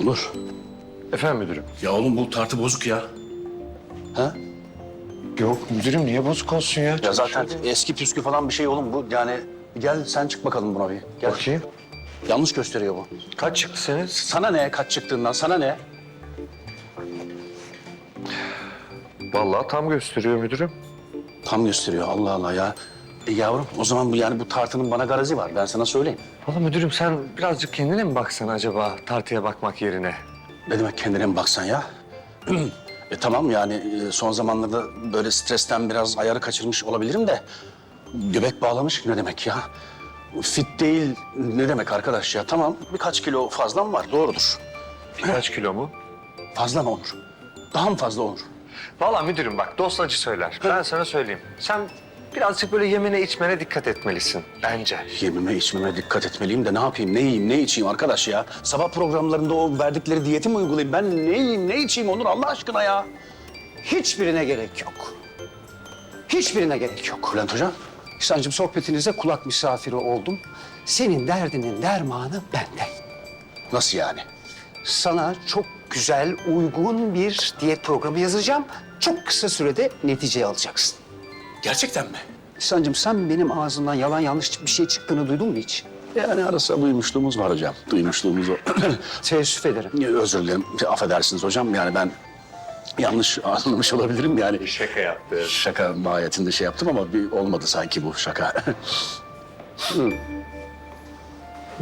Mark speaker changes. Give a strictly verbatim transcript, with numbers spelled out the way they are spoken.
Speaker 1: Onur.
Speaker 2: Efendim müdürüm?
Speaker 1: Ya oğlum bu tartı bozuk ya. Ha?
Speaker 2: Yok müdürüm, niye bozuk olsun ya?
Speaker 1: Ya zaten eski püskü falan bir şey oğlum bu. Yani gel sen çık bakalım buna bir. Gel.
Speaker 2: Bakayım.
Speaker 1: Yanlış gösteriyor bu.
Speaker 2: Kaç çıktı senin?
Speaker 1: Sana ne kaç çıktığından, sana ne?
Speaker 2: Vallahi tam gösteriyor müdürüm.
Speaker 1: Tam gösteriyor, Allah Allah ya. E yavrum o zaman bu yani bu tartının bana garazi var, ben sana söyleyeyim.
Speaker 2: Vallahi müdürüm, sen birazcık kendine mi baksan acaba tartıya bakmak yerine?
Speaker 1: Ne demek kendine mi baksan ya? E tamam yani e, son zamanlarda böyle stresten biraz ayarı kaçırmış olabilirim de... ...göbek bağlamış ne demek ya? Fit değil ne demek arkadaş ya? Tamam birkaç kilo fazlam var, doğrudur.
Speaker 2: Birkaç kilo mu?
Speaker 1: Fazla mı olur? Daha mı fazla olur?
Speaker 2: Vallahi müdürüm bak, dost acı söyler. Ben sana söyleyeyim. Sen birazcık böyle yemene içmene dikkat etmelisin bence.
Speaker 1: Yemime içmeme dikkat etmeliyim de ne yapayım, ne yiyeyim, ne içeyim arkadaş ya? Sabah programlarında o verdikleri diyeti mi uygulayayım? Ben ne yiyeyim, ne içeyim Onur Allah aşkına ya?
Speaker 3: Hiçbirine gerek yok. Hiçbirine gerek yok.
Speaker 1: Bülent Hocam.
Speaker 3: İhsan'cığım sohbetinize kulak misafiri oldum. Senin derdinin dermanı bende.
Speaker 1: Nasıl yani?
Speaker 3: Sana çok güzel, uygun bir diyet programı yazacağım. Çok kısa sürede neticeyi alacaksın.
Speaker 1: Gerçekten mi?
Speaker 3: İhsan'cığım sen benim ağzımdan yalan yanlış bir şey çıktığını duydun mu hiç?
Speaker 1: Yani arasında duymuşluğumuz var hocam. Duymuşluğumuz o.
Speaker 3: Teessüf ederim.
Speaker 1: Özür dilerim. Affedersiniz hocam. Yani ben yanlış anlamış olabilirim yani.
Speaker 2: Şaka yaptı.
Speaker 1: Şaka mahiyetinde şey yaptım ama bir olmadı sanki bu şaka.